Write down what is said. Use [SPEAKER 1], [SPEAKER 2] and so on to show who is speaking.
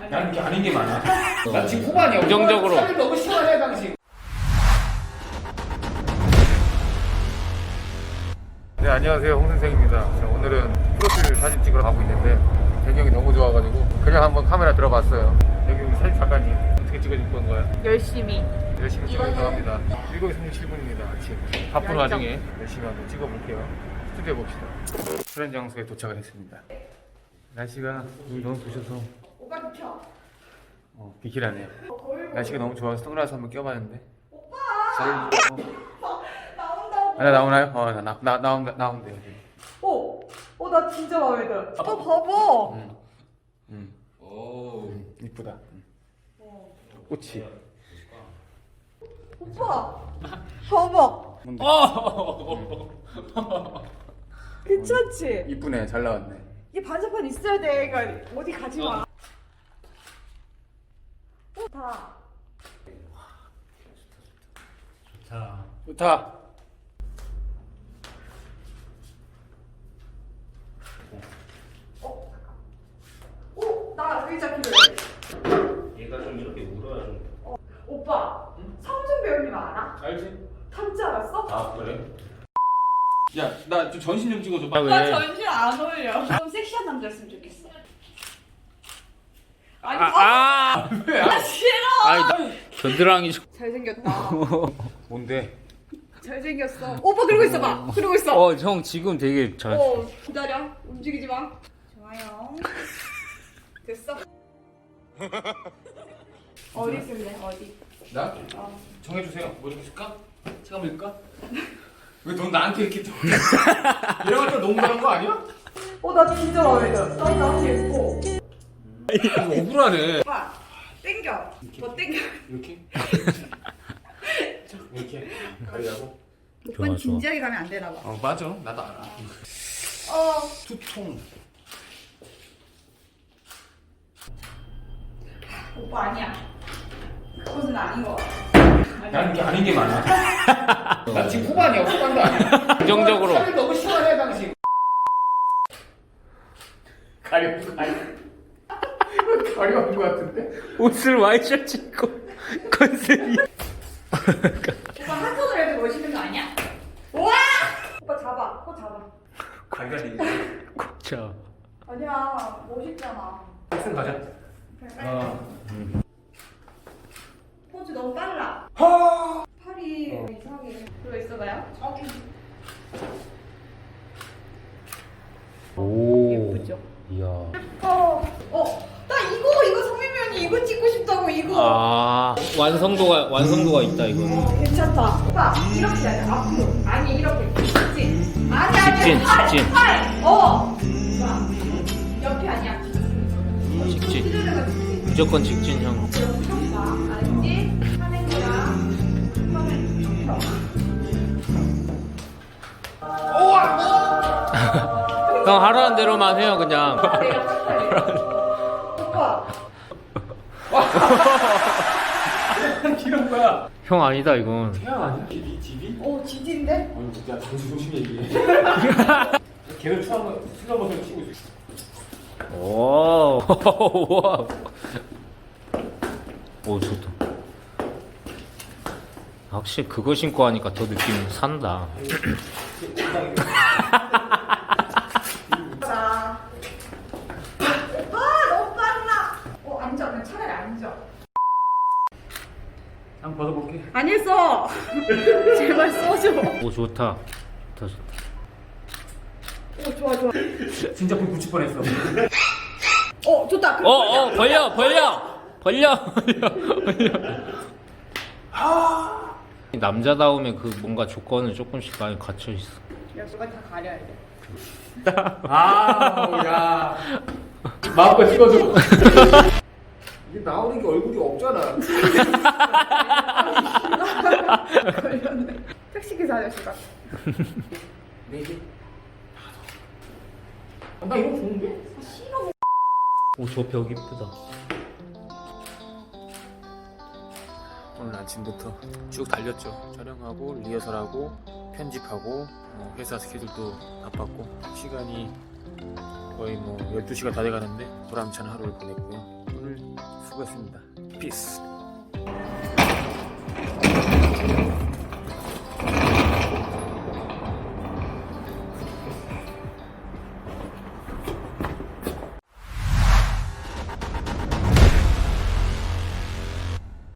[SPEAKER 1] 나는 이렇게 아닌 게 많아. 나 지금 후반이야.
[SPEAKER 2] 긍정적으로.
[SPEAKER 1] 살이 너무 시원해 당신. 네, 안녕하세요, 홍 선생입니다. 자, 오늘은 프로필 사진 찍으러 가고 있는데 배경이 너무 좋아가지고 그냥 한번 카메라 들어봤어요. 여기 우리 사진 작가님 어떻게 찍어줄 건가요?
[SPEAKER 3] 열심히
[SPEAKER 1] 찍어주려고 합니다. 7시 37분입니다. 아침 바쁜 와중에 열심히 한번 찍어볼게요. 스튜디오 봅시다. 수련 장소에 도착을 했습니다. 날씨가 오늘 너무 부셔서
[SPEAKER 3] 오빠 비켜.
[SPEAKER 1] 비키라네요. 날씨가 너무 좋아서 선글라스 한번 껴봤는데.
[SPEAKER 3] 오빠 나온다고.
[SPEAKER 1] 나 나오나요? 나온대요.
[SPEAKER 3] 나 진짜 마음에 들어. 봐봐.
[SPEAKER 1] 오, 이쁘다. 꽃이.
[SPEAKER 3] 오빠 봐봐. 괜찮지?
[SPEAKER 1] 이쁘네, 잘 나왔네.
[SPEAKER 3] 이게 반사판 있어야 돼. 그러니까 어디 가지 마. 다.
[SPEAKER 1] 좋다.
[SPEAKER 3] 나 의자 필요해.
[SPEAKER 2] 얘가 좀 이렇게 울어야 좀.
[SPEAKER 3] 오빠, 성준 배우님 알아?
[SPEAKER 1] 알지?
[SPEAKER 3] 탐지 알았어?
[SPEAKER 2] 아 그래?
[SPEAKER 1] 야, 나 좀 전신 좀 찍어줘.
[SPEAKER 2] 아, 왜?
[SPEAKER 3] 나 전신 안 어울려. 좀 섹시한 남자였으면 좋겠어. 아니,
[SPEAKER 1] 왜?
[SPEAKER 3] 싫어.
[SPEAKER 2] 아니 겨드랑이 좀.
[SPEAKER 3] 잘생겼다.
[SPEAKER 1] 뭔데?
[SPEAKER 3] 잘생겼어. 오빠 그러고 있어봐. 그러고 있어.
[SPEAKER 2] 형 지금 되게 잘.
[SPEAKER 3] 기다려. 움직이지 마. 좋아요. 됐어. 어디 쓸래? 어디?
[SPEAKER 1] 나?
[SPEAKER 3] 어.
[SPEAKER 1] 정해주세요. 뭐 이렇게 줄까? 체감 일까? 왜 넌 나한테 이렇게 또 이런 것도 농구하는 거 아니야?
[SPEAKER 3] 나 진짜 마음에 들어. 나 너무 예뻐.
[SPEAKER 1] 억울하네.
[SPEAKER 3] 오빠, 땡겨. 뭐 땡겨.
[SPEAKER 1] 이렇게? 이렇게 가리라고?
[SPEAKER 3] 오빠는 진지하게 가면 안 되나 봐.
[SPEAKER 1] 맞아. 나도 알아. 투통.
[SPEAKER 3] 오빠 아니야. 그것은 아닌 거 같아.
[SPEAKER 1] 나는 이게 아닌 게 많아. 나 지금 후반이야. 후반도 아니야.
[SPEAKER 2] 긍정적으로.
[SPEAKER 1] 살이 너무 시원해 당신. 가려운 거 같은데?
[SPEAKER 2] 옷을 와이셔츠 입고 컨셉이.
[SPEAKER 3] 오빠 한 손으로 해도 멋있는 거 아니야? 우와! 오빠 잡아. 코 잡아.
[SPEAKER 1] 관련이.
[SPEAKER 2] 자.
[SPEAKER 3] 아니야. 멋있잖아.
[SPEAKER 1] 학생 가자.
[SPEAKER 3] 포즈 너무 빨라. 팔이 이상하게 들어 있어봐요.
[SPEAKER 2] 오.
[SPEAKER 3] 예쁘죠?
[SPEAKER 2] 이야.
[SPEAKER 3] 나 이거 성민면이 이거 찍고 싶다고 이거.
[SPEAKER 2] 아 완성도가 있다 이거는.
[SPEAKER 3] 괜찮다. 오빠 이렇게 해야 돼. 앞으로. 아니 이렇게. 직진. 아니
[SPEAKER 2] 직진.
[SPEAKER 3] 팔. 자, 옆이 아니야.
[SPEAKER 2] 직진.
[SPEAKER 3] 휘두르는 거 직진.
[SPEAKER 2] 무조건 직진 형.
[SPEAKER 3] 알았지? 하는 거랑 하면
[SPEAKER 2] 형 하라는 대로만 해요 그냥.
[SPEAKER 3] 내가 삭발해. 오빠.
[SPEAKER 1] 이런 거야.
[SPEAKER 2] 형 아니다 이건.
[SPEAKER 1] 태양 아니야? 집이?
[SPEAKER 3] 지진데?
[SPEAKER 1] 진짜 당신 조심히 얘기해. 걔는 슬로모션 치고 있어.
[SPEAKER 2] 오. 와. 오 좋다. 확실히 그거 신고 하니까 더 느낌 산다.
[SPEAKER 3] 자. 너무 빨라. 앉아. 그냥 차라리 앉아.
[SPEAKER 1] 한번 벗어볼게.
[SPEAKER 3] 안 했어. 제발 써줘.
[SPEAKER 2] 오 좋다. 더 좋다.
[SPEAKER 3] 좋아.
[SPEAKER 1] 진짜 불 붙일 뻔했어.
[SPEAKER 3] 좋다.
[SPEAKER 2] 벌려. 남자다움에 그 뭔가 조건은 조금씩 많이 갇혀 있어.
[SPEAKER 3] 야, 누가 다 가려야 돼.
[SPEAKER 1] 야. 마음껏 찍어줘. 이게 나오는 게 얼굴이 없잖아.
[SPEAKER 3] 걸렸네. 택시기사 아저씨 같아.
[SPEAKER 1] 네 개. 나 이거 좋은데?
[SPEAKER 3] 싫어.
[SPEAKER 2] 오 저 벽 이쁘다.
[SPEAKER 1] 오늘 아침부터 쭉 달렸죠. 촬영하고 리허설하고 편집하고 회사 스케줄도 바빴고 시간이 거의 12시가 다 돼가는데 보람찬 하루를 보냈고요. 오늘 수고했습니다. 피스.